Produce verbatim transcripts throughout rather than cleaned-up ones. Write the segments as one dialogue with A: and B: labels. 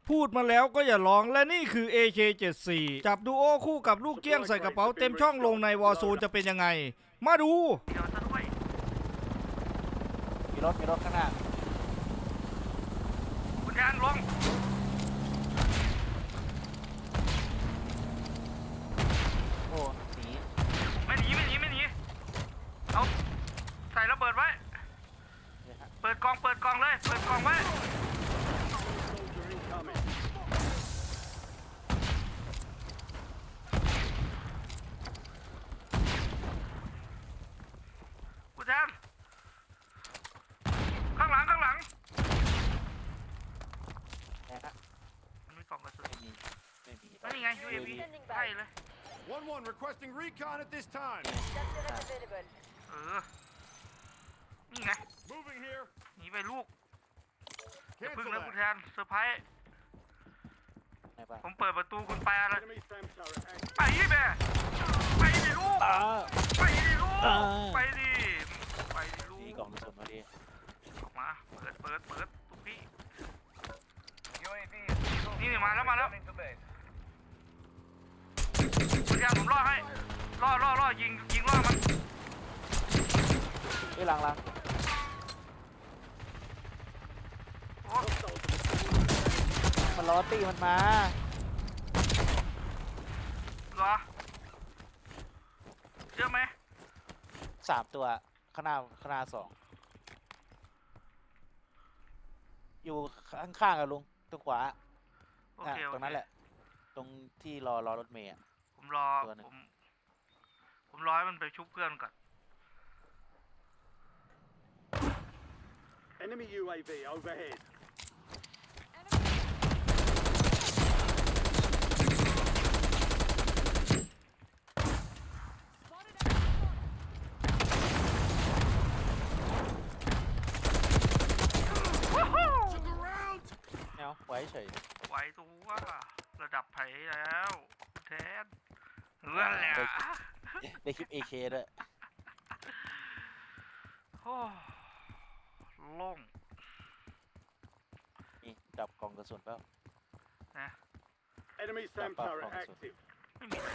A: พูดมาแล้วก็อย่าร้องและนี่คือ เอ เค เจ็ดสิบสี่ จับดูโอคู่กับลูกเกี้ยงใส่กระเป๋าเต็มช่องลงในวอร์โซนจะเป็นยังไง มาดูเดี๋ยวซะด้วย
B: มีรถมีรถข้างหน้า
A: คุณแทนลง
B: โอ้หนี
A: ไม่หนีไม่หนีไม่หนีเอาใส่ระเบิดไว้เปิดกองเปิดกองเลยเปิดกองไว้คุณแทนข้างหลังข้างหลัง
B: นะฮะ
A: มันมีกล่องกระสุน
B: ไม่มีไม่มี
A: ไม่มีไง ยู เอ วี ใช่เลย
C: one one requesting recon at this time.
A: เออ นี่ไง
C: Moving here.
A: หนีไปลูกอย่าพึ่ง
C: Cancel
A: นะคุณ
C: that.
A: แทนเซอร์ไพรส์
B: ไหนบ้าง
A: ผมเปิดประตูคุณไปอะไร
C: Enemy SAM turret active.
A: ไปดิแม่ไปดิลูก
B: อ่า
A: ไปดิลูก
B: อ่า
A: ไปดิไปดิลู
B: ดี
A: ก
B: กล่องกระสุนมาดี
A: ออกมาเปิดเปิดเปิดทุกพี่นี่นี่มาแล้วมาแล้วคุณแทนผมล่อให้ล่อล่อล่อยิงยิงล่อมัน
B: เฮ้ยหลังหลัง
A: โอ้
B: มันล้อตี้มันมา
A: เหรอเชื่อไหม
B: สามตัวข้างหน้าข้างหน้าสองอยู่ข้างๆกับลุงตรงขวา
A: โอ
B: อ่ะ
A: เคโอ
B: ตรง
A: เค
B: นั้นแหละ ตรงที่รอรอรถเมย์อ่ะ
A: ผมรอ
B: ตัวหนึ่ง
A: ผมผมรอให้มันไปชุบเพื่อนก่อน
C: Enemy U A V overhead. To the round.
B: เนาไว้เฉย
A: ไหวตัวระดับไผ่แล้วแทนเรื่องแหละ
B: ได้คลิป เอ เค ด้วย
A: โอ้โล่ง
B: นี่ดับกล่องกระสุนเปล่า
A: นะ
C: Enemy SAM
B: Back up,
C: turret
B: officer.
C: active.
A: ไม่มี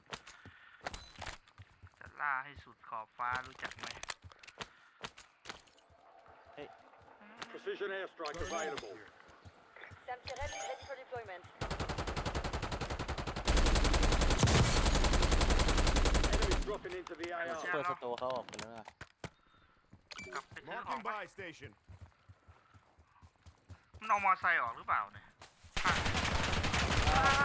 A: จะล่าให้สุดขอบฟ้ารู้จักไหม
C: Precision airstrike available.
D: Sam Tirel is ready for deployment.
C: Enemy dropping into the
B: ซู
C: A
B: เปอ
C: R.
B: ร์สโตร์เขาออกไปแล้วนะ
A: กลับไปซื้อของ
C: Marking
A: ไป
C: buy station.
A: มันเอามอไซค์ออกหรือเปล่าเนี่ยอ่ะ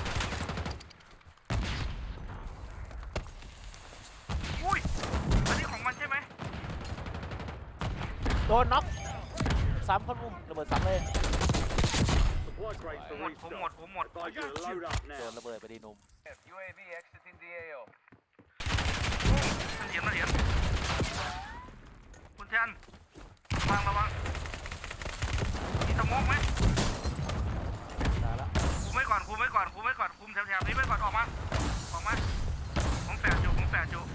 A: อุ้ยอันนี้ของมันใช่ไหม
B: โดนน็อกซ้ำคนมุมระเบิดซ้ำเลย
C: Supply crates
A: ผม
C: for
A: หมดผมหมด
C: restock.
A: ผมหมด
C: Advise you to load up
B: โดน
C: now.
B: ระเบิดไปดีหนุ่ม
E: U A V exiting the A O.
A: มันเหรียญมันเหรียญคุณแทนระวังระวังมีสโมกไหม
B: ตายแล้ว
A: คุมไว้ก่อนคุมไว้ก่อนคุมไว้ก่อนคุมแถวๆนี้ไว้ก่อนออกมาออกมาผมแฝดอยู่ผมแฝดอยู่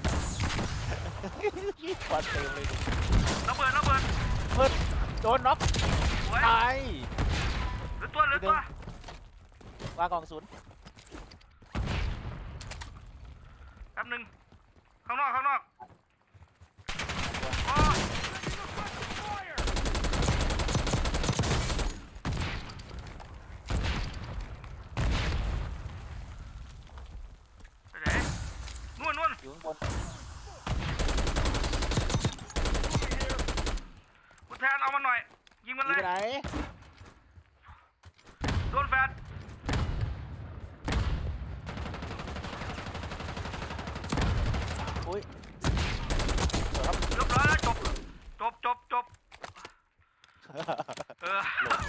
B: ควันเต็มเลย
A: ระเบิดระเบิด
B: เพิ่นโดนน็อก
A: สวย
B: ตาย
A: เหลือตัวเหลือตัว
B: วางกล่องกระสุน
A: แป๊บหนึงข้างนอกข้างนอกโอ้ไปไหนนู่นนู่น
B: อยู่ข้างบน
A: คุณแทนเอามันหน่อยยิงมัน
B: ห
A: เล
B: นี
A: ย
B: ไปไหน
A: โดนแฟด
B: อุ้ยเดี๋ยวครับ
A: เรียบร้อยแล้วจบจบจบจบเออ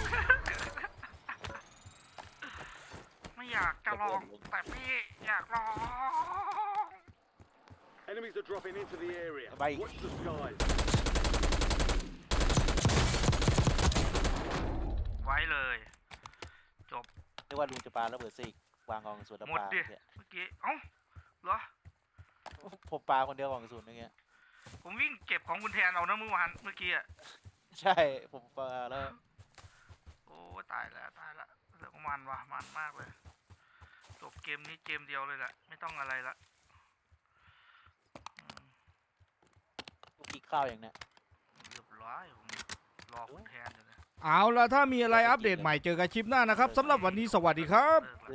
A: ไม่อยากจะลองแต่พี่อยากลอง
C: Enemies are dropping into the area.
B: Bye.
C: Watch the skies.
A: ไว้เลยจบ
B: นึกว่าลุงจะปาระเบิดซิกวางกล่องกระสุนแล้ว
A: หมด
B: ปา
A: ดิ
B: เนี่ย
A: เมื่อกี้เอ้าเหรอ
B: ผมปาคนเดียวกล่องกระสุนอย่างเงี้ย
A: ผมวิ่งเก็บของคุณแทนเอานะเมื่อวานเมื่อกี้อ่ะ
B: ใช่ผมปาแล้ว
A: โอ้ตายแล้วตายแล้วเรื่องมันว่ะมันมากเลยจบเกมนี้เกมเดียวเลยแหละไม่ต้องอะไรละอืม
B: ลูกกินข้าวอย่างเนี้ย
A: เรียบร้อยผมรอคุณแทนอยู่เลยเอาละถ้ามีอะไรอัปเดตใหม่เจอกันคลิปหน้านะครับสำหรับวันนี้สวัสดีครับ